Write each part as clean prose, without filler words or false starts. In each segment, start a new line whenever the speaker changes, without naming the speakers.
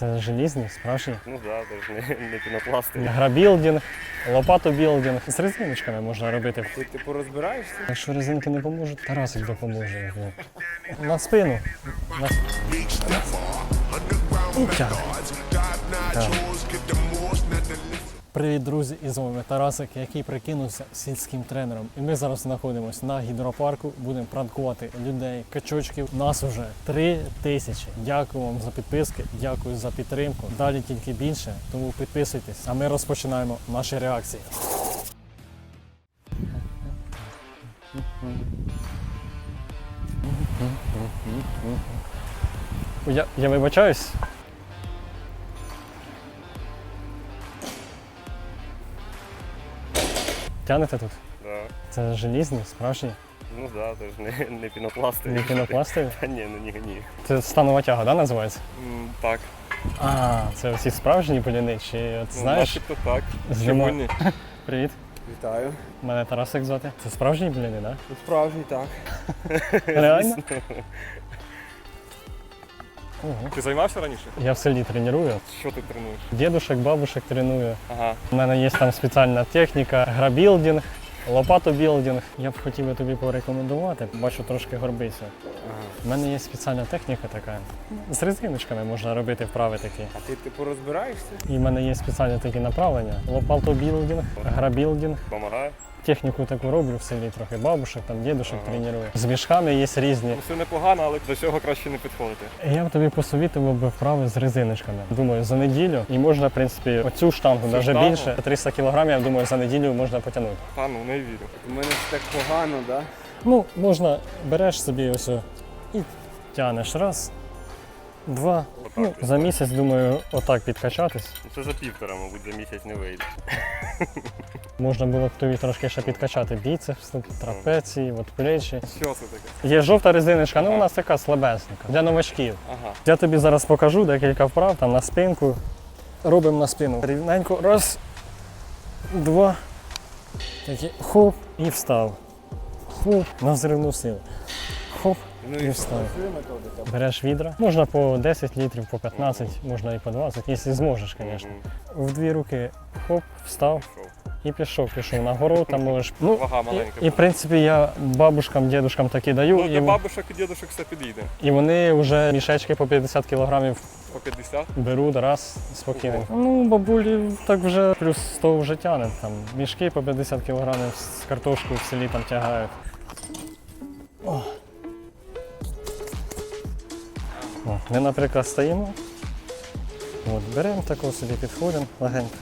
Це желізні, справжні.
Ну так, да, не пінопластові.
Грабілдинг, лопатобілдинг. З резиночками можна робити.
Ти типу розбираєшся?
Якщо резинки не поможуть, Тарасик допоможе. На спину. І тягне. Так. Привіт, друзі! І з вами Тарасик, який прикинувся сільським тренером. І ми зараз знаходимося на гідропарку, будемо пранкувати людей, качочків. Нас уже 3000. Дякую вам за підписки, дякую за підтримку. Далі тільки більше, тому підписуйтесь. А ми розпочинаємо наші реакції. Я вибачаюсь. Тянете тут?
Да.
Це желізні, справжні?
Ну так, да, не пінопластові.
Не пінопластові?
Та ні, ну ні.
Це станова тяга, да, називається?
Так.
А, це всі справжні бліни, чи от знаєш?
Начебто так.
Зима.
Чому ні?
Привіт,
Вітаю.
мене Тарасик звати. Це справжні бліни, да?
Справжній, так.
Реально? Ого.
Ти займався раніше?
Я в селі треную.
Що ти тренуєш?
Дідушек, бабушек треную.
Ага.
У мене є там спеціальна техніка, грабілдинг, лопатобілдинг. Я б хотів би тобі порекомендувати, бачу трошки горбися. У мене є спеціальна техніка така. З резиночками можна робити вправи такі.
А ти типу розбираєшся?
І в мене є спеціальні такі направлення. Лопатобілдинг, грабілдинг.
Помагає?
Техніку таку роблю в селі трохи, бабушек, там дідушек треную. З мішками є різні.
Ну, все непогано, але до цього краще не підходити.
Я б тобі посовітував би вправи з резиночками. Думаю, за неділю. І можна, в принципі, оцю штангу, навіть
штангу?
більше. 300 кг, я думаю, за неділю можна потягнути.
Та ну не вірю.
У мене все так погано, так?
Ну, можна, береш собі ось і тянеш. Раз, два. Ну, за місяць, думаю, отак підкачатись.
Це за півтора, мабуть, за місяць не вийде.
Можна було б тобі трошки ще підкачати біцепс, трапеції, от плечі.
Що це таке?
Є жовта резиночка, ну у нас така слабесенька, для новачків.
Ага.
Я тобі зараз покажу декілька вправ там на спинку. Робимо на спину. Рівненько. Раз, два. Такі. Хоп і встав. Хоп, на взривну силу. Хоп і встав. Береш відра. Можна по 10 літрів, по 15, можна і по 20, якщо зможеш, звісно. В дві руки хоп, встав. І пішов нагору, там можеш. Ну,
Вага маленька.
і в принципі я бабушкам, дідушкам такі даю.
Ну,
І,
для бабушок і дідушок все підійде.
і вони вже мішечки по 50 кілограмів
По 50?
беруть раз спокійно. Ну, бабулі так вже плюс 100 вже тягне. Там мішки по 50 кілограмів з картошкою в селі там тягають. О. О, ми, наприклад, стоїмо. От, беремо такого собі, підходимо легенько.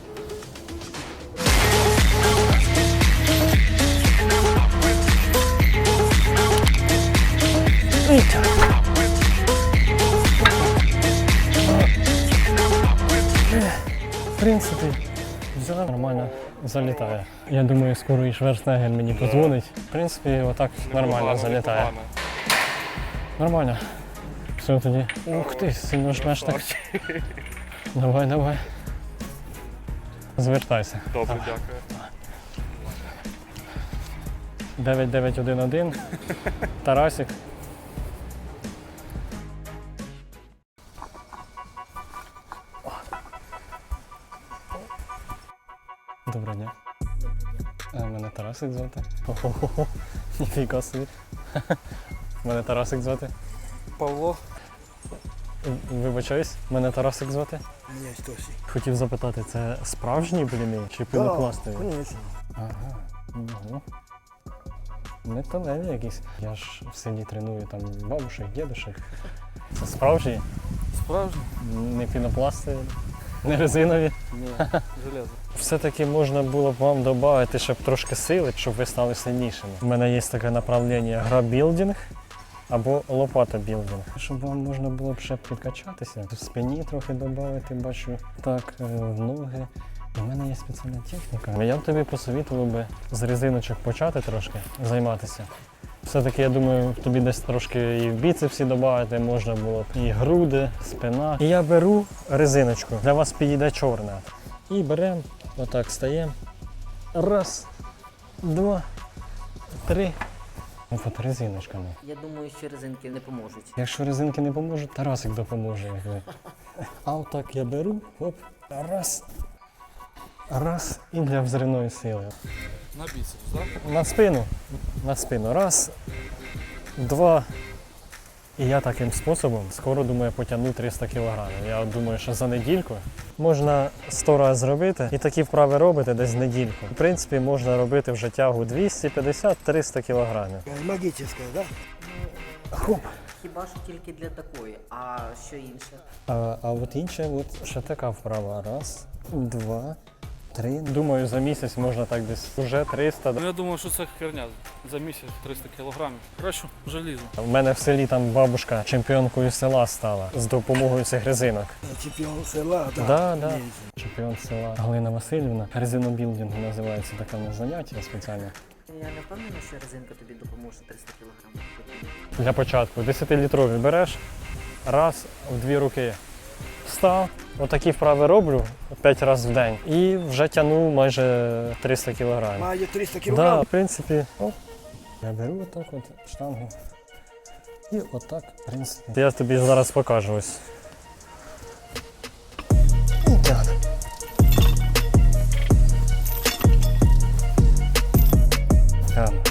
І тягнемо. В принципі, все нормально залітає. Я думаю, скоро і Шварценеггер мені подзвонить. В принципі, отак нормально залітає.
Непогано.
Нормально. Все тоді. Ух ти, сильно жмеш так. Давай. Звертайся.
Добре, дякую.
9911. Тарасик. Доброго дня. Мене Тарасик звати. Хо-хо-хо. Ніфіга собі. Мене Тарасик звати.
Павло.
Вибачаюсь, мене Тарасик звати.
Ні, Стосі.
Хотів запитати, це справжні бліни чи пінопластові?
Звісно.
Ага. Угу. Металеві якісь. Я ж в селі треную там бабушек, дідушек. Це справжні?
Справжній?
Не пінопластові, не резинові.
Ні, железо.
Все-таки можна було б вам додати, щоб трошки сили, щоб ви стали сильнішими. У мене є таке направлення грабілдинг або лопатобілдинг. Щоб вам можна було б ще підкачатися, в спині трохи додати, бачу, так, в ноги. У мене є спеціальна техніка. Я б тобі посовітував би з резиночок почати трошки займатися. Все-таки, я думаю, тобі десь трошки і в біцепсі додати можна було б, і груди, спина. І я беру резиночку, для вас підійде чорна. І беремо, отак стаємо. Раз, два, три. От резиночками.
Я думаю, що резинки не поможуть.
Якщо резинки не поможуть, Тарасик допоможе. А отак я беру, оп, раз, раз, і для взривної сили.
На бицепс, да?
На спину, раз, два. І я таким способом скоро, думаю, потягну 300 кг. Я думаю, що за недільку можна 100 разів зробити і такі вправи робити десь недільку. В принципі, можна робити вже тягу 250-300 кг.
Магическая, да?
Хоп.
Хіба що тільки для такої, а що інше?
А от інше, от ще така вправа. Раз, два, три. Думаю, за місяць можна так десь вже 300.
Ну я думаю, що це херня. За місяць 300 кілограмів. Краще желізо.
У мене в селі там бабушка чемпіонкою села стала з допомогою цих резинок.
Чемпион села, да.
Да. Чемпіон села Галина Васильівна. Резинобілдинг називається таке в нас заняття спеціальне.
Я не впевнена, що резинка тобі допоможе 300 кг.
Для початку 10-літрові береш, раз, в дві руки встав, отакі вправи роблю 5 разів в день і вже тягну майже 300 кг.
Має 300
Да,
кілограм.
в принципі, оп, я беру отак от штангу і отак, в принципі. Я тобі зараз покажу ось. І тягну. Тягну.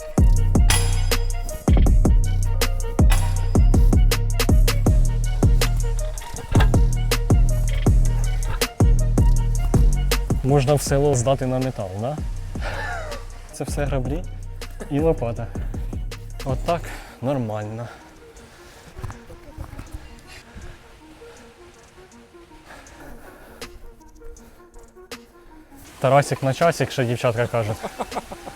Можна в село здати на метал, да? Це все граблі і лопата. Отак нормально. Тарасик на часик, що дівчатка кажуть.